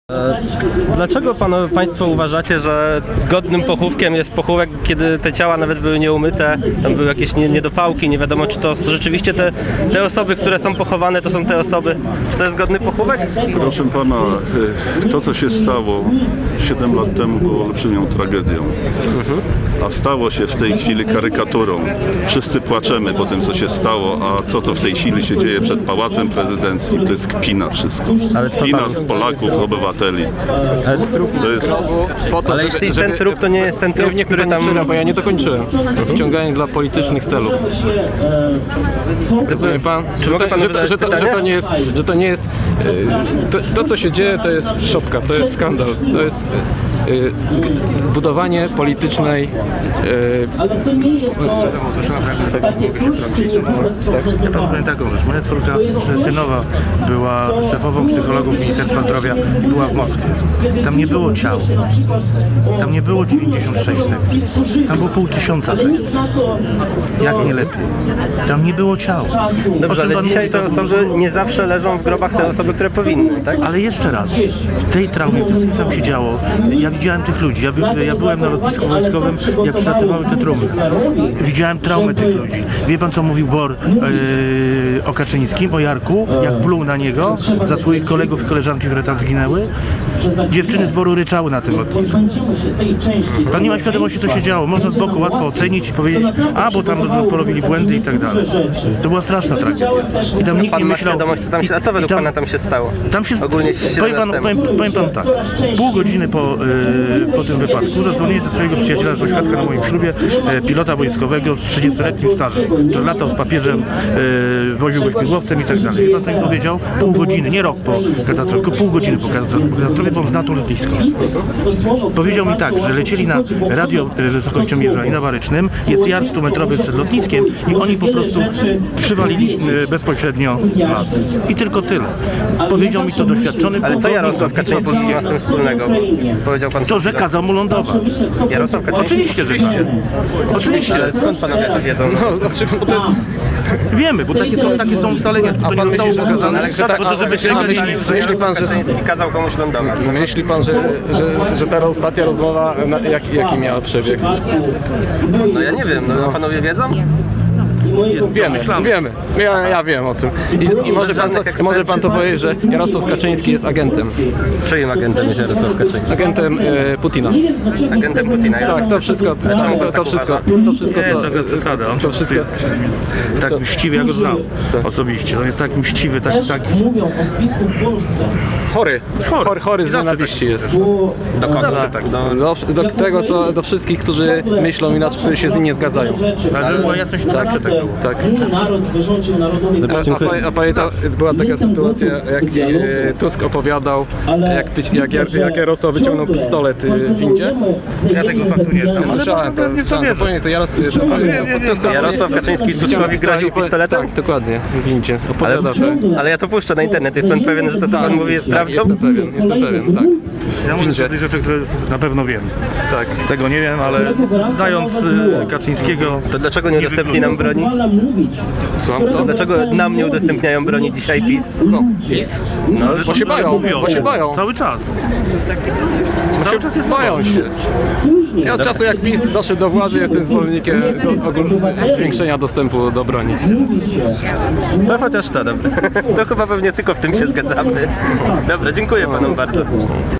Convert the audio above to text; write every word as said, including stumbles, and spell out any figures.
Dlaczego panu, państwo uważacie, że godnym pochówkiem jest pochówek, kiedy te ciała nawet były nieumyte, tam były jakieś niedopałki, nie wiadomo czy to rzeczywiście te, te osoby, które są pochowane, to są te osoby, czy to jest godny pochówek? Proszę pana, to co się stało siedem lat temu było olbrzymią tragedią, a stało się w tej chwili karykaturą. Wszyscy płaczemy po tym co się stało, a to co w tej chwili się dzieje przed Pałacem Prezydenckim to jest kpina wszystko. Ale co Kpina pan- z Polaków, obywateli. To jest... Po to, Ale żeby, jeśli żeby, ten trup to nie jest ten trup, nie, który nie tam... przyda, bo ja nie dokończyłem. Wciąganie dla politycznych celów. Rozumie pan? Czy Że mogę to, panu że, to, zadać że, to, że pytanie? to nie jest, że to nie jest e, to, to co się dzieje to jest szopka, to jest skandal, to jest e, e, budowanie politycznej e, Ja panu powiem taką rzecz. Moja córka synowa była szefową psychologów Ministerstwa Zdrowia i była w Moskwie. Tam nie było ciał. Tam nie było dziewięćdziesiąt sześć sekcji. Tam było pół tysiąca sekcji. Jak nie lepiej. Tam nie było ciał. O Dobrze, czym ale pan dzisiaj mówi, te to- osoby nie zawsze leżą w grobach te osoby, które powinny, tak? Ale jeszcze raz, w tej traumie, w tym co tam się działo, ja widziałem tych ludzi, ja, by, ja byłem na lotnisku wojskowym, jak przylatywały te trumny. Widziałem traumę tych ludzi. Wie pan co mówił Bor yy, o Kaczyńskim, o Jarku, jak pluł na niego za swoich kolegów i koleżanki, które tam zginęły? Dziewczyny z Boru ryczały na tym lotnisku. Pan nie ma świadomości co się działo, można z boku łatwo ocenić i powiedzieć, a bo tam porobili błędy i tak dalej. To była straszna tragedia. I tam nikt Pan nie ma myślał... świadomość, co tam się... A co według i tam- pana tam się stało? Tam się Ogólnie siedem powiem lat panu, temu. powiem, powiem panu tak. Pół godziny po, yy, po tym wypadku zadzwoniłem do swojego przyjaciela, że świadka na moim ślubie, yy, pilota wojskowego z trzydziestoletnim stażem, który latał z papieżem, yy, woził go śmigłowcem i tak dalej. Wie pan co mi powiedział? Pół godziny, nie rok po katastrofie, tylko pół godziny po katastrofie, bo on zna to lotnisko. Powiedział mi tak, że lecieli na radio yy, wysokościomierza i na Barycznym, jest jar stumetrowy przed lotniskiem i oni po prostu przywalili yy, bezpośrednio w las. I tylko tyle. Powiedział mi to doświadczony Ale co pułkownik Jarosław lotnictwa Kaczyński ma z tym wspólnego? Powiedział pan To, że kazał mu lądować. Jarosław Kaczyński? Oczywiście, że tak. Oczywiście. Ale skąd panowie to wiedzą? no, znaczy, bo to jest, Wiemy, bo takie są, takie są ustalenia, tylko to nie pan zostało myśli, że- pokazane, ale że tak- po to, żeby się a nie myśli- mylić. że myśli pan, że- Kaczyński kazał komuś lądować? myśli pan, że, że, że ta ostatnia rozmowa na, jak, jaki miała przebieg? No ja nie wiem, no a panowie wiedzą? Wiemy, wiemy. Ja, ja wiem o tym. I, i może, pan, żadnych może pan to powiedzieć, że Jarosław Kaczyński jest agentem. Czyim agentem jest Jarosław Kaczyński? Agentem e, Putina. Agentem Putina. Tak, to wszystko, czemu to, pan to tak wszystko, uważa? to wszystko, Nie, co... to przesada. On To wszystko... jest tak mściwy, ja go znam osobiście. On jest tak mściwy, tak, tak... Chory, chory, chory z Zawsze nienawiści jest. Do kogo? Zawsze tak. Do, Do, do tego, co, do wszystkich, którzy myślą inaczej, którzy się z nim nie zgadzają. Ale żeby była jasność, to zawsze tak było. Tak. Naród wyrządził narodowi A, a, pa- a pamięta, była taka sytuacja, jak e, Tusk opowiadał, jak, wyci- jak, jak, jak Jarosław wyciągnął pistolet e, w windzie. Ja tego faktu nie znam, ale Słyszałem to, pewnie w to słyszałem, wierzę. to, to Jaros, to, to, Tusk Jarosław Kaczyński Tuskowi groził pistoletem? Tak, dokładnie, w windzie. ale, Opowiadał, tak. ale ja to puszczę na internet. Jest pan pewien, że to co pan mówi jest Tak, prawdą? jestem pewien, jestem pewien, tak. Ja mówię Windzie. o tych rzeczy, które na pewno wiem. Tak. Tego nie wiem, ale znając y, Kaczyńskiego... To dlaczego nie udostępni nam broni? Co? To To? dlaczego nam nie udostępniają broni dzisiaj PiS? No, PiS? No, Bo się bają, Mówią, bo się bają. Cały czas. Cały czas jest Bają się. Ja od czasu jak PiS doszedł do władzy, jestem zwolennikiem do, ogól- zwiększenia dostępu do broni. no chociaż to, dobra. To chyba pewnie tylko w tym się zgadzamy. Dobra, dziękuję panom bardzo.